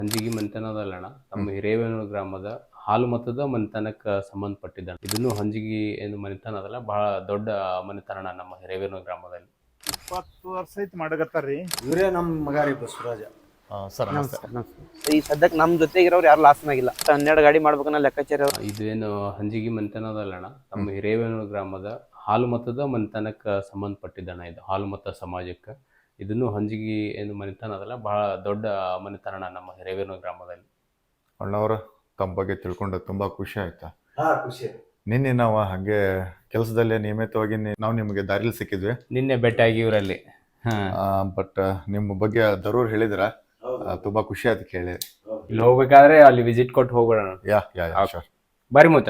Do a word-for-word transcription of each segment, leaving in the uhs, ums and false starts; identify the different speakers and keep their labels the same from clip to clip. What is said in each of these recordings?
Speaker 1: ಹಂಜಿಗಿ ಮನೆತನದಲ್ಲಣ್ಣ ನಮ್ಮ ಹಿರೇಬೇನೂರು ಗ್ರಾಮದ ಹಾಲು ಮತದ ಮನೆತನಕ್ಕೆ ಸಂಬಂಧಪಟ್ಟಿದ್ದ ಇದನ್ನು ಹಂಜಿಗಿ ಏನು ಮನೆತನ ಅದಲ್ಲ ಬಹಳ ದೊಡ್ಡ ಮನೆತನ ನಮ್ಮ ಹಿರೇಬೇನೂರು ಗ್ರಾಮದಲ್ಲಿ.
Speaker 2: ಇಪ್ಪತ್ತು ವರ್ಷ ಐತಿ ಮಾಡಕತ್ತಾರ್ರಿ.
Speaker 3: ಇವರೇ ನಮ್ಮ ಮಗ ರೀ ಬಸವರಾಜ.
Speaker 4: ಸರ್ ನಮಸ್ತೆ.
Speaker 5: ಈ ಸದ್ಯಕ್ಕೆ ನಮ್ಮ ಜೊತೆಗಿರೋರು ಯಾರು ಲಾಸ್ ಆಗಿಲ್ಲ. ಹನ್ನೆರಡು ಗಾಡಿ ಮಾಡ್ಬೇಕನ್ನ ಲೆಕ್ಕಾಚಾರ.
Speaker 1: ಇದೇನು ಹಂಜಿಗಿ ಮನೆತನದಲ್ಲಣ್ಣ ನಮ್ಮ ಹಿರೇಬೇನೂರು ಗ್ರಾಮದ ಹಾಲು ಮತದ ಮನೆತನಕ್ಕೆ ಸಂಬಂಧಪಟ್ಟಿದ್ದಣ್ಣ ಇದು ಹಾಲು ಮತ ಸಮಾಜಕ್ಕೆ. ಇದನ್ನು ಹಂಜಿಗಿ ಏನು ಮನೆತನ ಅದಲ್ಲ ಬಹಳ ದೊಡ್ಡ ಮನೆತನ ನಮ್ಮ ಹಿರೇಬೇನೂರು ಗ್ರಾಮದಲ್ಲಿ.
Speaker 4: ಅಣ್ಣವರ ತಮ್ಮ ಬಗ್ಗೆ ತಿಳ್ಕೊಂಡು ತುಂಬಾ ಖುಷಿ ಆಯ್ತಾ?
Speaker 3: ಹಾ ಖುಷಿ.
Speaker 4: ನಿನ್ನೆ ನಾವು ಹಾಗೆ ಕೆಲಸದಲ್ಲೇ ನಿಯಮಿತವಾಗಿ ನಾವು ನಿಮಗೆ ದಾರಿಲಿ ಸಿಕ್ಕಿದ್ವಿ.
Speaker 1: ನಿನ್ನೆ ಭೇಟಿಯಾಗಿ ಇವರಲ್ಲಿ
Speaker 4: ಬಟ್ ನಿಮ್ಮ ಬಗ್ಗೆ ದರೂರ್ ಹೇಳಿದ್ರ ತುಂಬಾ ಖುಷಿ ಆಯ್ತು ಕೇಳಿ.
Speaker 1: ಇಲ್ಲಿ ಹೋಗ್ಬೇಕಾದ್ರೆ ಅಲ್ಲಿ ವಿಸಿಟ್ ಕೊಟ್ಟು ಹೋಗೋಣ.
Speaker 4: Yeah yeah yeah sure.
Speaker 1: ಬಾರಿ ಮೂತ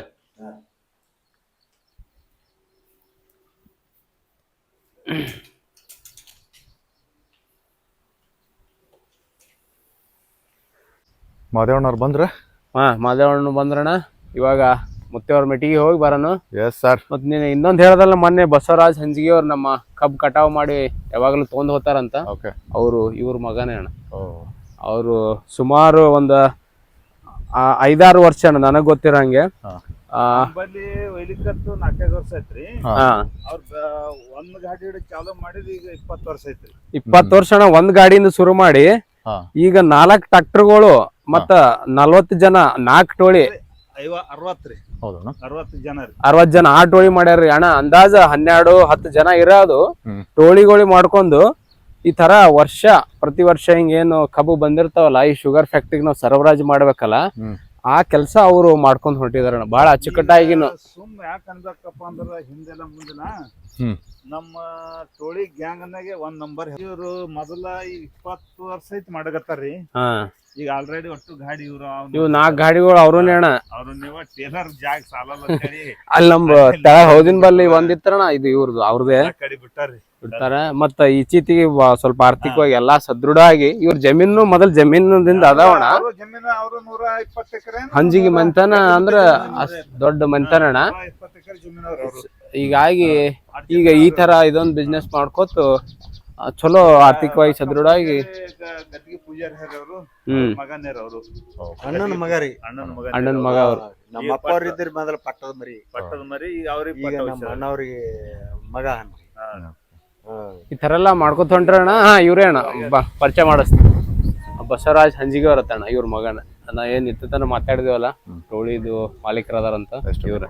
Speaker 4: ಮಾದೇವಣ್ಣವ್ರು ಬಂದ್ರ?
Speaker 1: ಹಾ ಮಾದೇವಣ್ಣ ಬಂದ್ರಣ್ಣ. ಇವಾಗ ಮುತ್ತೆಯವ್ರ ಮೆಟ್ಟಿಗೆ ಹೋಗಿ ಬರೋಣ.
Speaker 4: Yes sir.
Speaker 1: ಮತ್ ನೀನು ಇನ್ನೊಂದು ಹೇಳ್ದಲ್ಲ ಮೊನ್ನೆ ಬಸವರಾಜ್ ಹಂಜಿಗೆ ಅವ್ರು ನಮ್ಮ ಕಬ್ಬು ಕಟಾವ್ ಮಾಡಿ ಯಾವಾಗಲೂ ತೊಗೊಂಡ್ ಹೋಗ್ತಾರಂತ. ಅವರು ಇವ್ರ ಮಗನೇ ಅಣ್ಣ. ಅವರು ಸುಮಾರು ಒಂದು ಐದಾರು ವರ್ಷ ಅಣ್ಣ ನನಗ್ ಗೊತ್ತಿರಂಗೆ.
Speaker 2: ಬಲ್ಲಿ ಒಯ್ಲಿಕ್ಕತ್ತು ನಾಲ್ಕೈದು ವರ್ಷ ಐತ್ರಿ. ಅವ್ರ ಒಂದ್ ಗಾಡಿ ಹಿಡಿದು ಚಾಲೂ ಮಾಡಿದ್ ಈಗ ಇಪ್ಪತ್ತು ವರ್ಷ ಐತ್ರಿ.
Speaker 1: ಇಪ್ಪತ್ತು ವರ್ಷ ಅಣ್ಣ ಒಂದ್ ಗಾಡಿಯಿಂದ ಶುರು ಮಾಡಿ ಈಗ ನಾಲ್ಕು ಟ್ರಾಕ್ಟರ್ಗಳು ಮತ್ತ ನಲ್ವತ್ತು ಜನ ನಾಲ್ಕು ಟೋಳಿ
Speaker 2: ಐವ ಅರವತ್ತ್ರಿ ಅರವತ್ತು ಜನ ರೀ
Speaker 1: ಅರವತ್ ಜನ ಆ ಟೋಳಿ ಮಾಡ್ಯಾರ್ರಿ ಅಣ್ಣ. ಅಂದಾಜ ಹನ್ನೆರಡು ಹತ್ತು ಜನ ಇರೋದು ಟೋಳಿಗಳು ಮಾಡ್ಕೊಂಡು ಈ ತರ ವರ್ಷ ಪ್ರತಿ ವರ್ಷ ಹಿಂಗೇನು ಕಬ್ಬು ಬಂದಿರ್ತಾವಲ್ಲ ಈ ಶುಗರ್ ಫ್ಯಾಕ್ಟ್ರಿಗೆ ನಾವು ಸರಬರಾಜು ಮಾಡ್ಬೇಕಲ್ಲ ಆ ಕೆಲಸ ಅವರು ಮಾಡ್ಕೊಂಡ್ ಹೊರಟಿದಾರ ಬಹಳ ಅಚ್ಚುಕಟ್ಟಾಗಿನು.
Speaker 2: ಸುಮ್ ಯಾಕೆ ಅನ್ಬೇಕಪ್ಪ ಅಂದ್ರ ಹಿಂದೆಲ್ಲ ಮುಂದಿನ ನಮ್ಮ ಟೋಳಿ ಗ್ಯಾಂಗ್ ನಾಗೆ ಒಂದ್ ನಂಬರ್. ಇವ್ರು ಮೊದಲ ಈಗ ಇಪ್ಪತ್ತು ವರ್ಷ ಐತಿ ಮಾಡಕತ್ತಾರ್ರಿ. ಈಗ ಆಲ್ರೆಡಿ ಒಟ್ಟು ಗಾಡಿ ಇವ್ರು
Speaker 1: ಇವ್ ನಾಲ್ಕು ಗಾಡಿಗಳು ಅವ್ರನ್ನೇ ಅಣ್ಣ.
Speaker 2: ಅವ್ರು ನೀವ ಟೇಲರ್ ಜಾಗ ಸಾಲಲ್ಲ
Speaker 1: ಅಲ್ಲಿ ನಮ್ ತಳ ಹೌದಿನ ಬಲ್ಲಿ ಒಂದಿತ್ತಣ್ಣ ಇದು ಇವ್ರದ್ದು ಅವ್ರದೇ
Speaker 2: ಕಡಿ ಬಿಟ್ಟಾರ್ರಿ
Speaker 1: ಬಿಡ್ತಾರ. ಮತ್ತ ಈಚೀತಿಗೆ ಸ್ವಲ್ಪ ಆರ್ಥಿಕವಾಗಿ ಎಲ್ಲಾ ಸದೃಢ ಆಗಿ ಇವ್ರ ಜಮೀನು ಮೊದಲ್ ಜಮೀನದಿಂದ ಅದಾವಣ.
Speaker 2: ಜಮೀನ ಅವ್ರು ನೂರ ಇಪ್ಪತ್ತು ಎಕರೆ
Speaker 1: ಹಂಜಿಗಿ ಮನೆತನ ಅಂದ್ರ ದೊಡ್ಡ ಮನೆತನ ಅಣ್ಣ.
Speaker 2: ಇಪ್ಪತ್ತು ಎಕರೆ ಜಮೀನು ಅವ್ರು.
Speaker 1: ಹೀಗಾಗಿ ಈಗ ಈ ತರ ಇದೊಂದು ಬಿಸ್ನೆಸ್ ಮಾಡ್ಕೋತ ಚಲೋ ಆರ್ಥಿಕವಾಗಿ ಸದೃಢವಾಗಿ
Speaker 2: ಗದ್ದಿಗೆ ಪೂಜಾರಿ ಅವರು ಮಗನೇರ್ ಅವರು
Speaker 3: ಅಣ್ಣನ ಮಗ ರೀ.
Speaker 2: ಅಣ್ಣನ ಮಗ
Speaker 1: ಅಣ್ಣನ ಮಗ ಅವ್ರು.
Speaker 3: ನಮ್ಮ ಅಪ್ಪ ಅವ್ರ ಇದ್ರ ಮೊದಲ ಪಟ್ಟದ ಮರಿ
Speaker 2: ಪಟ್ಟದ ಮರಿ ಅವ್ರಿಗೆ
Speaker 3: ಈಗ ನಮ್ಮ ಅಣ್ಣವ್ರಿಗೆ ಮಗ ಅನ್ರಿ.
Speaker 1: ಈ ತರ ಎಲ್ಲಾ ಮಾಡ್ಕೊತ ಹೊಂಟ್ರಣ್ಣ. ಹಾ ಇವ್ರೇ ಅಣ್ಣ ಬಾ ಪರಿಚಯ ಮಾಡಿಸ್ತೀನಿ. ಬಸವರಾಜ್ ಹಂಜಿಗೆ ಅವರತ್ತಣ್ಣ ಇವ್ರ ಮಗನ. ನಾ ಏನ್ ಇತ್ತನ ಮಾತಾಡಿದೇವಲ್ಲ ಟೋಳಿದು ಮಾಲೀಕರದಾರಂತ ಇವ್ರ.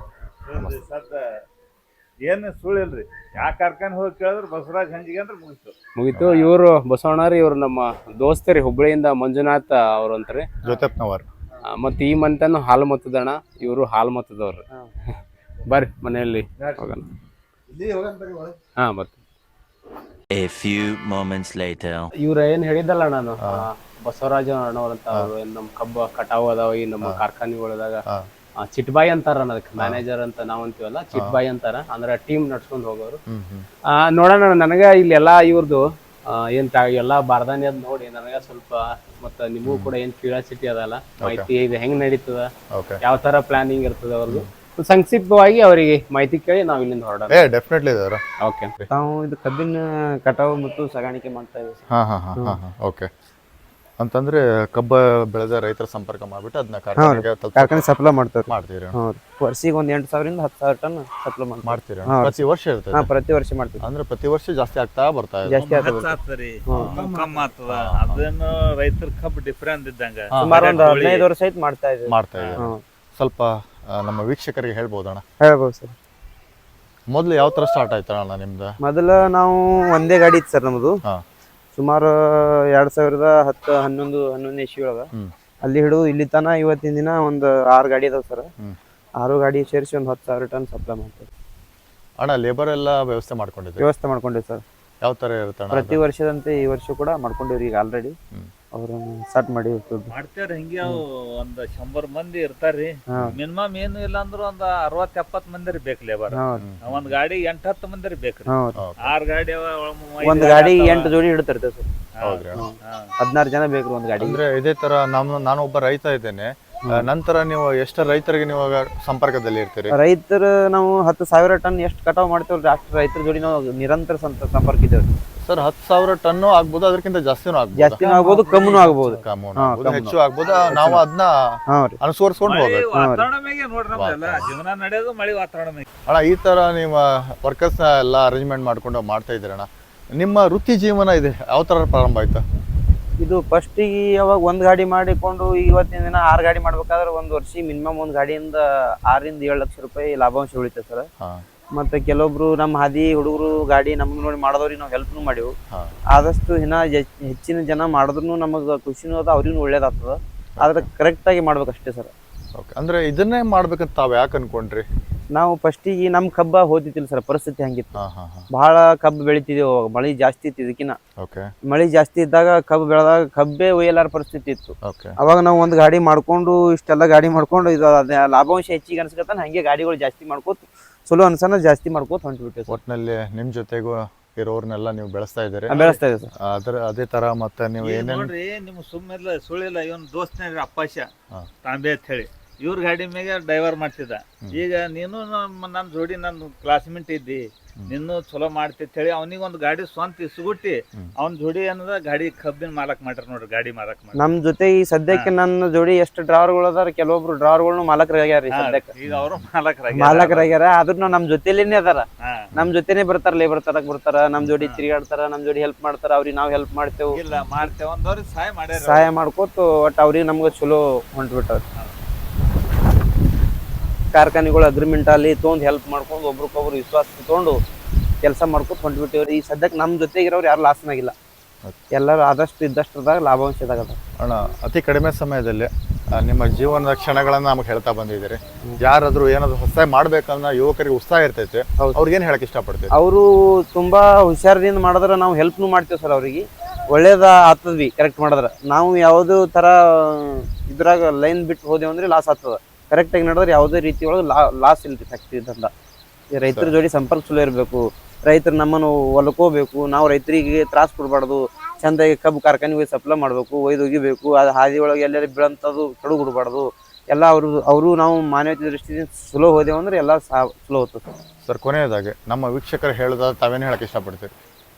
Speaker 2: ಏನ್ ಸುಳ್ಳು ಇಲ್ರಿ. ಯಾ ಕಾರ್ಖಾನೆ ಹೋಗಿ ಕೇಳಿದ್ರೆ ಬಸವರಾಜ್ ಹಂಜಿಗೆ ಅಂದ್ರೆ ಮುಗಿತು
Speaker 1: ಮುಗಿತು. ಇವ್ರು ಬಸವಣ್ಣರಿ ಇವ್ರು ನಮ್ಮ ದೋಸ್ತರಿ ಹುಬ್ಬಳ್ಳಿಯಿಂದ ಮಂಜುನಾಥ್ ಅವ್ರ ಅಂತಾರೆ
Speaker 4: ಜೊತೆಪ್ನವರ್.
Speaker 1: ಮತ್ ಈ ಮಂತನು ಹಾಲು ಮತದಣ್ಣ. ಇವ್ರು ಹಾಲು ಮತದವ್ರು. ಬರ್ರಿ ಮನೆಯಲ್ಲಿ ಹೋಗೋಣ. ಹಾ ಬರ್ತೀನಿ.
Speaker 6: A few moments later.
Speaker 1: ಇವ್ರ ಏನ್ ಹೇಳಿದಲ್ಲ ನಾನು ಬಸವರಾಜ ಅಣ್ಣವ್ರಂತ ಅವ್ರು ಏನ್ ನಮ್ ಕಬ್ಬ ಕಟಾವ್ ಅದಾವ ಈ ನಮ್ಮ ಕಾರ್ಖಾನೆಗಳದಾಗ ಚಿಟ್ಬಾಯಿ ಅಂತಾರ ಅದಕ್ಕೆ ಮ್ಯಾನೇಜರ್ ಅಂತ ನಾವ್ ಅಂತೀವಲ್ಲ ಚಿಟ್ಬಾಯಿ ಅಂತಾರ. ಅಂದ್ರ ಟೀಮ್ ನಡ್ಸ್ಕೊಂಡ್ ಹೋಗೋರು. ಆ ನೋಡೋಣ ನನಗ ಇಲ್ಲಿ ಎಲ್ಲಾ ಇವ್ರದ್ದು ಏನ್ ಎಲ್ಲಾ ಬಾರ್ದಾನಿ ಅದ್ ನೋಡಿ ನನಗ ಸ್ವಲ್ಪ ಮತ್ತ ನಿಮಗೂ ಕೂಡ ಏನ್ ಕ್ಯೂರಿಯಾಸಿಟಿ ಅದಲ್ಲ ಮಾಹಿತಿ ಇದು ಹೆಂಗ್ ನಡೀತದ ಯಾವ ತರ ಪ್ಲಾನಿಂಗ್ ಇರ್ತದ ಅವ್ರದ್ದು ಸಂಕ್ಷಿಪ್ತವಾಗಿ ಅವರಿಗೆ ಮಾಹಿತಿ ಕೇಳಿ ನಾವ್ ಇಲ್ಲಿಂದ ಹೊರಡೋಣ.
Speaker 4: ಏ ಡೆಫಿನೆಟ್ಲಿ ಇದಾರ.
Speaker 1: ಓಕೆ
Speaker 5: ನಾವು ಇದು ಕಬ್ಬಿನ ಕಟಾವು ಮತ್ತು ಸಾಗಾಣಿಕೆ ಮಾಡ್ತಾ ಇದ್ದೀವಿ.
Speaker 4: ಹಾ ಹಾ ಹಾ ಹಾ ಓಕೆ. ಅಂತಂದ್ರೆ ಕಬ್ಬ ಬೆಳೆದ ರೈತರ ಸಂಪರ್ಕ ಮಾಡ್ಬಿಟ್ಟು ಅದನ್ನ
Speaker 5: ಕಾರ್ಖಾನೆ ಸಪ್ಲೈ ಮಾಡ್ತಾರೆ
Speaker 4: ಮಾಡ್ತೀರಿ.
Speaker 5: ವರ್ಷಿಗೆ ಒಂದ್ ಎಂಟು ಸಾವಿರದಿಂದ ಹತ್ತು ಸಾವಿರ ಟನ್ ಸಪ್ಲೈ
Speaker 4: ಮಾಡ್ತೀರಿ. ಪ್ರತಿ ವರ್ಷ ಇರ್ತದೆ?
Speaker 5: ಹಾ ಪ್ರತಿ ವರ್ಷ ಮಾಡ್ತೀವಿ.
Speaker 4: ಅಂದ್ರೆ ಪ್ರತಿ ವರ್ಷ ಜಾಸ್ತಿ ಆಗ್ತಾ ಬರ್ತಾ ಇದೆ.
Speaker 5: ಜಾಸ್ತಿ
Speaker 2: ಆಗ್ತದೆ ಕಮ್ಮಿ ಆಗ್ತದ. ಅದೇನು ರೈತರ ಕಬ್ಬು ಡಿಫರೆಂಟ್ ಇದ್ದಂಗ
Speaker 5: ಸುಮಾರು ಒಂದು ಹದಿನೈದು ವರ್ಷ ಆಯ್ತು ಮಾಡ್ತಾ ಇದ್ದೀವಿ.
Speaker 4: ಮಾಡ್ತಾ ಇದ್ದೀವಿ. ಸ್ವಲ್ಪ ನಮ್ಮ ವೀಕ್ಷಕರಿಗೆ ಹೇಳ್ಬೋದಣ್ಣ?
Speaker 5: ಹೇಳ್ಬೋದು ಸರ್.
Speaker 4: ಮೊದ್ಲು ಯಾವ ತರ ಸ್ಟಾರ್ಟ್ ಆಯ್ತಣ್ಣ ನಿಮ್ದು?
Speaker 5: ಮೊದಲ ನಾವು ಒಂದೇ ಗಾಡಿ ಇತ್ತು ಸರ್ ನಮ್ದು. ಸುಮಾರು ಎರಡ್ ಸಾವಿರದ ಹತ್ತು ಹನ್ನೊಂದು ಹನ್ನೊಂದನೇ ಇಸ್ವಿ ಒಳಗ ಅಲ್ಲಿ ಹಿಡಿದು ಇಲ್ಲಿ ತನ ಇವತ್ತಿನ ದಿನ ಒಂದು ಆರು ಗಾಡಿ ಅದಾವ ಸರ್. ಆರು ಗಾಡಿ ಸೇರಿಸಿ ಒಂದು ಹತ್ತು ಸಾವಿರ ಟನ್ ಸಪ್ಲೈ ಮಾಡ್ತಾರೆ
Speaker 4: ಅಣ್ಣ. ಲೇಬರ್ ಎಲ್ಲ ವ್ಯವಸ್ಥೆ ಮಾಡ್ಕೊಂಡಿದ್ದೀವಿ?
Speaker 5: ವ್ಯವಸ್ಥೆ ಮಾಡ್ಕೊಂಡಿವಿ ಸರ್.
Speaker 4: ಯಾವ ತರ ಇರುತ್ತೆ?
Speaker 5: ಪ್ರತಿ ವರ್ಷದಂತೆ ಈ ವರ್ಷ ಕೂಡ ಮಾಡ್ಕೊಂಡಿವ್ರಿ. ಈಗ ಆಲ್ರೆಡಿ ಅವ್ರ ಸ್ಟಾರ್ಟ್ ಮಾಡಿ
Speaker 2: ಮಾಡ್ತೇವ್ರಿ. ಹಿಂಗೆ ಅವು ಒಂದ್ ಶಂಬರ್ ಮಂದಿ ಇರ್ತಾರ್ರಿ. ಮಿನಿಮಮ್ ಏನು ಇಲ್ಲ ಅಂದ್ರು ಒಂದ್ ಅರವತ್ ಎಪ್ಪತ್ ಮಂದಿ ಬೇಕು ಲೇಬರ್. ಒಂದ್ ಗಾಡಿ ಎಂಟ್ ಹತ್ತು ಮಂದಿ ಬೇಕ್ರಿ. ಆರ್ ಗಾಡಿ
Speaker 5: ಒಂದ್ ಗಾಡಿ ಎಂಟು ಜೋಡಿ ಹಿಡ್ತಿರ್ತೇವೆ ಸರ್. ಹದಿನಾರು ಜನ ಬೇಕ್ರಿ ಒಂದ್ ಗಾಡಿ.
Speaker 4: ಅಂದ್ರೆ ಇದೇ ತರ ನಮ್ ನಾನು ಒಬ್ಬ ರೈತ ಇದ್ದೇನೆ. ಆ, ನಂತರ ನೀವು ಎಷ್ಟು ರೈತರಿಗೆ ನೀವು ಆಗ ಸಂಪರ್ಕದಲ್ಲಿ ಇರ್ತೀರಿ?
Speaker 5: ರೈತರ ನಾವು ಹತ್ತು ಸಾವಿರ ಟನ್ ಎಷ್ಟು ಕಟಾವ್ ಮಾಡ್ತೇವಲ್ರಿ ಅಷ್ಟು ರೈತರ ಜೋಡಿ ನಾವು ನಿರಂತರ ಸಂತ- ಸಂಪರ್ಕ ಇದ್ದೇವೆ
Speaker 4: ಸರ್ ಹತ್ತು ಸಾವಿರ ಟನ್ನು ಆಗ್ಬೋದು, ಅದಕ್ಕಿಂತ ಜಾಸ್ತಿನೂ ಆಗ್ಬೋದು,
Speaker 5: ಜಾಸ್ತಿನೂ ಆಗ್ಬೋದು ಕಮ್ಮಿನೂ ಆಗ್ಬೋದು.
Speaker 4: ಕಮ್ಮಿ
Speaker 5: ಹಾ,
Speaker 4: ಆಗ್ಬೋದು,
Speaker 5: ಕಮ್ಮಿ.
Speaker 4: ಹೆಚ್ಚು ಆಗ್ಬೋದು. ನಾವು ಅದನ್ನ
Speaker 5: ಹಾ ರೀ
Speaker 4: ಅನುಸರಿಸ್ಕೊಂಡು
Speaker 2: ಮಳಿ
Speaker 4: ಹೋಗ್ಬೇಕು.
Speaker 2: ವಾತಾವರಣ ಮ್ಯಾಗೆ ನೋಡ್ರಿ ನಮ್ದೆಲ್ಲ ಜೀವನ ನಡೆಯೋದು ಮಳಿ ವಾತಾವರಣ ಮ್ಯಾಗೆ.
Speaker 4: ಅಣ್ಣ ಈ ತರ ನೀವು ವರ್ಕರ್ಸ್ನ ಎಲ್ಲ ಅರೇಂಜ್ಮೆಂಟ್ ಮಾಡ್ಕೊಂಡು ಮಾಡ್ತಾ ಇದ್ದೀರಣ್ಣ. ನಿಮ್ಮ ವೃತ್ತಿ ಜೀವನ ಇದೆ ಯಾವ ತರ ಪ್ರಾರಂಭ ಆಯ್ತಾ?
Speaker 5: ಇದು ಫಸ್ಟಿಗೆ ಯಾವಾಗ ಒಂದ್ ಗಾಡಿ ಮಾಡಿಕೊಂಡು ಇವತ್ತಿನ ದಿನ ಆರು ಗಾಡಿ ಮಾಡ್ಬೇಕಾದ್ರೆ ಒಂದ್ ವರ್ಷ ಮಿನಿಮಮ್ ಒಂದ್ ಗಾಡಿಯಿಂದ ಆರರಿಂದ ಏಳು ಲಕ್ಷ ರೂಪಾಯಿ ಲಾಭಾಂಶ ಉಳಿತೈತೆ ಸರ್.
Speaker 4: ಹಾ
Speaker 5: ಮತ್ತೆ ಕೆಲವೊಬ್ರು ನಮ್ಮ ಹಾದಿ ಹುಡುಗರು ಗಾಡಿ ನಮ್ಗೆ ನೋಡಿ ಮಾಡೋದವ್ರಿಗೆ ನಾವು ಹೆಲ್ಪ್ನು ಮಾಡಿವು.
Speaker 4: ಹಾ
Speaker 5: ಆದಷ್ಟು ಇನ್ನ ಹೆಚ್- ಹೆಚ್ಚಿನ ಜನ ಮಾಡಿದ್ರು ನಮಗೆ ಖುಷಿನೂ ಅದ, ಅವ್ರಿಗೂ ಒಳ್ಳೇದಾಗ್ತದ. ಆದ್ರೆ ಕರೆಕ್ಟ್ ಆಗಿ ಮಾಡ್ಬೇಕಷ್ಟೇ ಸರ್.
Speaker 4: ಓಕೆ. ಅಂದ್ರೆ ಇದನ್ನೇ ಮಾಡ್ಬೇಕಂತ ತಾವ್ ಯಾಕೆ ಅನ್ಕೊಂಡ್ರಿ?
Speaker 5: ನಾವು ಫಸ್ಟಿಗೆ ನಮ್ ಕಬ್ಬ ಹೋದಿತ್ತಿಲ್ಲ ಸರ್, ಪರಿಸ್ಥಿತಿ ಹಂಗಿತ್ತು.
Speaker 4: ಹಾ ಹಾ ಹಾ
Speaker 5: ಬಹಳ ಕಬ್ಬು ಬೆಳಿತಿದ್ದೇವೆ ಅವಾಗ, ಮಳಿ ಜಾಸ್ತಿ ಇತ್ತು. ಇದಕ್ಕಿನ್ನ
Speaker 4: ಓಕೆ
Speaker 5: ಮಳಿ ಜಾಸ್ತಿ ಇದ್ದಾಗ ಕಬ್ಬು ಬೆಳೆದಾಗ ಕಬ್ಬೇ ಒಯ್ಯಲಾರ ಪರಿಸ್ಥಿತಿ ಇತ್ತು.
Speaker 4: ಓಕೆ
Speaker 5: ಅವಾಗ ನಾವು ಒಂದು ಗಾಡಿ ಮಾಡ್ಕೊಂಡು ಇಷ್ಟೆಲ್ಲ ಗಾಡಿ ಮಾಡ್ಕೊಂಡು ಇದು ಅದೇ ಲಾಭಾಂಶ ಹೆಚ್ಚಿಗೆ ಅನ್ಸ್ಕತ್ತಾನ ಹಂಗೆ ಗಾಡಿಗಳು ಜಾಸ್ತಿ ಮಾಡ್ಕೋತ ಚಲೋ ಅನ್ಸನ ಜಾಸ್ತಿ ಮಾಡ್ಕೋತ ಹೊಂಟ್ಬಿಟ್ಟೆ ಸರ್.
Speaker 4: ಒಟ್ನಲ್ಲಿ ನಿಮ್ ಜೊತೆಗೂ ಇರೋರ್ನೆಲ್ಲ ನೀವು ಬೆಳೆಸ್ತಾ ಇದ್ದೀರಿ.
Speaker 5: ಬೆಳೆಸ್ತಾ ಇದೆ ಸರ್.
Speaker 4: ಅದ್ರ ಅದೇ ತರ ಮತ್ತೆ ನೀವು
Speaker 2: ಈಗ
Speaker 4: ಏನೇನು
Speaker 2: ನೋಡ್ರಿ ನಿಮ್ ಸುಮ್ಮಿಲ್ಲ ಸುಳ್ಳಿಲ್ಲ ಇವನ್ ದೋಸ್ತನೇ ಅಪ್ಪಾಶ
Speaker 4: ಹಾ.
Speaker 2: ತಾಂಬೆ ಅಂತ ಹೇಳಿ ಇವ್ರ ಗಾಡಿ ಮ್ಯಾಗ ಡ್ರೈವರ್ ಮಾಡ್ತಿದ್ದ. ಈಗ ನೀನು ನಮ್ಮ ನನ್ನ ಜೋಡಿ ನನ್ನ ಕ್ಲಾಸ್ಮೇಟ್ ಇದ್ದಿ, ನಿನ್ನೂ ಚಲೋ ಮಾಡ್ತಿ ಅಂತ ಹೇಳಿ ಅವನಿಗೆ ಒಂದು ಗಾಡಿ ಸ್ವಂತ ಇಸ್ಗುಟ್ಟಿ ಅವ್ನ ಜೋಡಿ ಏನದ ಗಾಡಿ ಕಬ್ಬಿನ ಮಾಲಕ್ ಮಾಡ್ಯಾರ ನೋಡ್ರಿ, ಗಾಡಿ ಮಾಲಕ್ ಮಾಡಿ.
Speaker 5: ನಮ್ ಜೊತೆ ಈ ಸದ್ಯಕ್ಕೆ ನನ್ನ ಜೋಡಿ ಎಷ್ಟು ಡ್ರೈವರ್ಗಳು ಅದಾರ, ಕೆಲವೊಬ್ರು ಡ್ರೈವರ್ಗಳು ಮಾಲಕರಾಗ್ಯಾರ ಈ ಸದ್ಯಕ್ಕೆ.
Speaker 2: ಈಗ ಅವರು ಮಾಲಕರಾಗಿ
Speaker 5: ಮಾಲಕರಾಗ್ಯಾರ, ಆದ್ರೂ ನಮ್ ಜೊತೆಲೇನೆ ಅದಾರ.
Speaker 2: ಹಾ
Speaker 5: ನಮ್ ಜೊತೆನೆ ಬರ್ತಾರ, ಲೇಬರ್ ತರಕ್ ಬರ್ತಾರ, ನಮ್ ಜೋಡಿ ತಿರುಗಾಡ್ತಾರ, ನಮ್ ಜೋಡಿ ಹೆಲ್ಪ್ ಮಾಡ್ತಾರ, ಅವ್ರಿಗೆ ನಾವ್ ಹೆಲ್ಪ್ ಮಾಡ್ತೇವೆ,
Speaker 2: ಇಲ್ಲ ಮಾಡ್ತೇವೆ ಒಂದವ್ರಿಗೆ ಸಹಾಯ ಮಾಡ್ಯಾರ.
Speaker 5: ಸಹಾಯ ಮಾಡ್ಕೋತ ಒಟ್ಟು ಅವ್ರಿಗೆ ನಮ್ಗೆ ಚಲೋ ಹೊಂಟ್ಬಿಟ್ಟಾರ. ಕಾರ್ಖಾನೆಗಳು ಅಗ್ರಿಮೆಂಟ್ ಅಲ್ಲಿ ತೊಗೊಂಡು ಹೆಲ್ಪ್ ಮಾಡ್ಕೊಂಡು ಒಬ್ರಿಗೊಬ್ರು ವಿಶ್ವಾಸ ತಗೊಂಡು ಕೆಲಸ ಮಾಡ್ಕೊತ ಹೊಂಟ್ಬಿಟ್ಟಿವ್ರಿ. ಈ ಸದ್ಯಕ್ಕೆ ನಮ್ಮ ಜೊತೆಗಿರೋರು ಯಾರು ಲಾಸ್ನಾಗಿಲ್ಲ, ಎಲ್ಲರೂ ಆದಷ್ಟು ಇದ್ದಷ್ಟದಾಗ ಲಾಭಾಂಶದಾಗ ಅದ.
Speaker 4: ಅಣ್ಣ ಅತಿ ಕಡಿಮೆ ಸಮಯದಲ್ಲಿ ಆ, ನಿಮ್ಮ ಜೀವನದ ಕ್ಷಣಗಳನ್ನ ನಮಗೆ ಹೇಳ್ತಾ ಬಂದಿದ್ದೀರಿ. ಯಾರಾದ್ರೂ ಏನಾದ್ರು ಹೊಸ ಮಾಡ್ಬೇಕನ್ನ ಯುವಕರಿಗೆ ಉತ್ಸಾಹ ಇರ್ತೈತೆ, ಅವ್ರಿಗೇನು ಹೇಳಕ್ ಇಷ್ಟಪಡ್ತೀವಿ?
Speaker 5: ಅವರು ತುಂಬಾ ಹುಷಾರದಿಂದ ಮಾಡಿದ್ರೆ ನಾವು ಹೆಲ್ಪ್ನು ಮಾಡ್ತೇವೆ ಸರ್. ಅವ್ರಿಗೆ ಒಳ್ಳೇದ ಆಗ್ತದ್ವಿ ಕರೆಕ್ಟ್ ಮಾಡಿದ್ರೆ. ನಾವು ಯಾವುದೋ ತರ ಇದ್ರಾಗ ಲೈನ್ ಬಿಟ್ಟು ಹೋದೇವು ಅಂದ್ರೆ ಲಾಸ್ ಆಗ್ತದ. ಕರೆಕ್ಟಾಗಿ ನಡೆದ್ರೆ ಯಾವುದೇ ರೀತಿ ಒಳಗೆ ಲಾ ಲಾಸ್ ಇಲ್ರಿ ಫ್ಯಾಕ್ಟ್ರಿ ದಂದ. ರೈತರ ಜೋಡಿ ಸಂಪರ್ಕ ಚಲೋ ಇರಬೇಕು, ರೈತರು ನಮ್ಮನ್ನು ಹೊಲ್ಕೋಬೇಕು, ನಾವು ರೈತರಿಗೆ ತ್ರಾಸ ಕೊಡಬಾರ್ದು, ಚಂದಾಗಿ ಕಬ್ಬು ಕಾರ್ಖಾನೆ ಹೋಗಿ ಸಪ್ಲೈ ಮಾಡಬೇಕು, ಒಯ್ದು ಒಗಿಬೇಕು, ಅದು ಹಾದಿ ಒಳಗೆ ಎಲ್ಲರೂ ಬೀಳಂಥದ್ದು ಕಡು ಕೊಡಬಾರ್ದು. ಎಲ್ಲ ಅವರು ಅವರು ನಾವು ಮಾನವೀಯತೆ ದೃಷ್ಟಿಯಿಂದ ಚಲೋ ಹೋದೆವು ಅಂದ್ರೆ ಎಲ್ಲ ಸಹ ಚಲೋ ಹೋಗ್ತದೆ
Speaker 4: ಸರ್. ಕೊನೆಯದಾಗಿ ನಮ್ಮ ವೀಕ್ಷಕರು ಹೇಳಿದ ತಾವೇನು ಹೇಳಕ್ ಇಷ್ಟಪಡ್ತೀರಿ?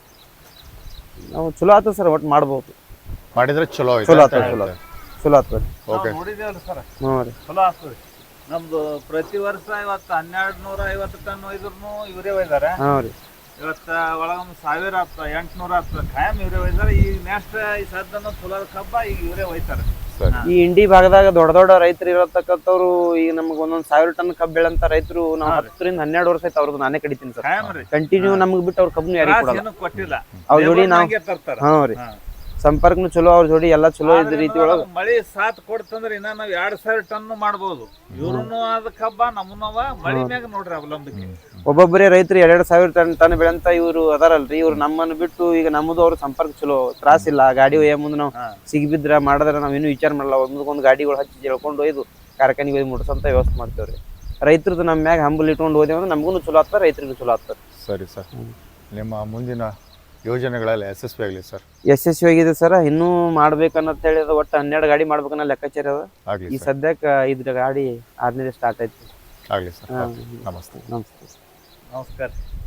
Speaker 5: ನಾವು ಚಲೋ ಆಗ್ತದೆ ಸರ್, ಒಟ್ಟು ಮಾಡ್ಬೋದು,
Speaker 4: ಮಾಡಿದ್ರೆ ಚಲೋ
Speaker 5: ಚಲೋ ಆಗ್ತದೆ, ಚಲೋ ಚಲೋ ಆಗ್ತದೆ.
Speaker 4: ಓಕೆ
Speaker 2: ನೋಡಿದೇವಲ್ಲ ಸರ್,
Speaker 5: ಹ್ಞೂ ರೀ.
Speaker 2: ಚಲೋ ಆಗ್ತದೆ. ನಮ್ದು ಪ್ರತಿ ವರ್ಷ ಇವತ್ತು ಹನ್ನೆರಡು ನೂರ ಐವತ್ತು ಟನ್ ಒಯ್ದ್ರು ಇವರೇ ಒಯ್ದಾರೆ.
Speaker 5: ಹಾಂ ರೀ.
Speaker 2: ಇವತ್ತ ಒಳಗೊಂದು ಸಾವಿರ ಆಗ್ತದ, ಎಂಟ್ನೂರ ಆಗ್ತದ, ಖಾಯಂ ಇವರೇ ಒಯ್ದಾರೆ. ಈಗ ನೆಕ್ಸ್ಟ್ ಈ ಸದ್ದನ್ನು ಚಲೋ ಕಬ್ಬ ಈಗ ಇವರೇ ಒಯ್ತಾರೆ.
Speaker 4: ಸರಿ.
Speaker 5: ಈ ಇಂಡಿ ಭಾಗದಾಗ ದೊಡ್ಡ ದೊಡ್ಡ ರೈತರು ಇರತಕ್ಕಂಥವ್ರು ಈಗ ನಮ್ಗೆ ಒಂದೊಂದ್ ಸಾವಿರ ಟನ್ ಕಬ್ಬು ಬೆಳಂತ ರೈತರು ನಾವು ಹತ್ತರಿಂದ ಹನ್ನೆರಡು ವರ್ಷ ಆಯ್ತು ಅವ್ರದ್ದು ನಾನೇ ಕಡಿತೀನಿ ಸರ್.
Speaker 2: ಖಾಯಂ ರೀ,
Speaker 5: ಕಂಟಿನ್ಯೂ ನಮ್ಗೆ ಬಿಟ್ಟು ಅವ್ರ ಕಬ್ಬು ಯಾರಿಗೂ
Speaker 2: ತ್ರಾಸ್
Speaker 5: ಕೊಡಲ್ಲ.
Speaker 2: ಏನೂ ಕೊಟ್ಟಿಲ್ಲ.
Speaker 5: ಅವ್ರ ಜೋಡಿ ನಾವು
Speaker 2: ಲೇಬರ್ನಾಗೆ ತರ್ತಾರ.
Speaker 5: ಹಾಂ ರೀ,
Speaker 2: ಹಾ.
Speaker 5: ಸಂಪರ್ಕನು ಚಲೋ, ಅವ್ರ ಜೋಡಿ ಎಲ್ಲ ಚಲೋ ಇದ್ದ
Speaker 2: ಆದ್ರೆ
Speaker 5: ರೀತಿ
Speaker 2: ಏನಾರ
Speaker 5: ಒಳಗೆ
Speaker 2: ಮಳಿ ಸಾತ್ ಕೊಡ್ತಂದ್ರ ಇನ್ನ ನಾವ್ ಎರಡ್ ಸಾವಿರ ಟನ್ ಮಾಡ್ಬೋದು. ಇವ್ರುನು ಅದ ಕಬ್ಬ ನಮ್ಮನವ ಮಳಿ ಮ್ಯಾಗ ನೋಡ್ರಿ ಅವಲಂಬಿಕೆ.
Speaker 5: ಒಬ್ಬೊಬ್ಬರೇ ರೈತರು ಎರಡೆರಡು ಸಾವಿರ ಟನ್ ಟನ್ ಬೆಳೆಂತ ಇವ್ರು ಅದಾರಲ್ರಿ, ಇವ್ರು ನಮ್ಮನ್ನು ಬಿಟ್ಟು ಈಗ ನಮ್ಮದು ಅವ್ರ ಸಂಪರ್ಕ ಚಲೋ, ತ್ರಾಸಿಲ್ಲ. ಗಾಡಿ ಒಯ್ಯ ಮುಂದೆ ನಾವು
Speaker 2: ಹಾ.
Speaker 5: ಸಿಗಿಬಿದ್ರ ಮಾಡಿದ್ರೆ ನಾವ್ ಏನು ವಿಚಾರ ಮಾಡಲ್ಲ, ಒಂದೊಂದು ಗಾಡಿಗಳು ಹಚ್ಚಿ ಜಳ್ಕೊಂಡು ಒಯ್ದು ಕಾರ್ಖಾನೆಗೆ ಒಯ್ದು ಮುಡ್ಸಂತ ವ್ಯವಸ್ಥೆ ಮಾಡ್ತೇವ್ರಿ. ರೈತರದ್ದು ನಮ್ಮ ಮ್ಯಾಗ ಹಂಬಲ್ ಇಟ್ಕೊಂಡು ಹೋದೇವು ಅಂದ್ರೆ ನಮಗೂ ಚಲೋ ಆಗ್ತದೆ, ರೈತರಿಗೂ ಚಲೋ ಆಗ್ತದೆ.
Speaker 4: ಸರಿ ಸರ್, ನಿಮ್ಮ ಮುಂದಿನ ಯೋಜನೆಗಳೆಲ್ಲ ಯಶಸ್ವಿ ಆಗಲಿ ಸರ್.
Speaker 5: ಯಶಸ್ವಿ ಆಗಿದೆ ಸರ್. ಇನ್ನೂ ಮಾಡ್ಬೇಕನ್ನತ್ ಹೇಳಿ ಅದು ಒಟ್ಟು ಹನ್ನೆರಡು ಗಾಡಿ ಮಾಡ್ಬೇಕನ್ನೋ ಲೆಕ್ಕಾಚಾರ ಅದ.
Speaker 4: ಆಗಲಿ
Speaker 5: ಈ
Speaker 4: ಸರ್,
Speaker 5: ಸದ್ಯಕ್ಕೆ ಐದು ಗಾಡಿ ಆರನೇ ಸ್ಟಾರ್ಟ್ ಆಯ್ತು.
Speaker 4: ಆಗಲಿ ಸರ್.
Speaker 5: ಹಾ.
Speaker 4: ನಮಸ್ತೆ.
Speaker 5: ನಮಸ್ತೆ.
Speaker 2: ನಮಸ್ಕಾರ.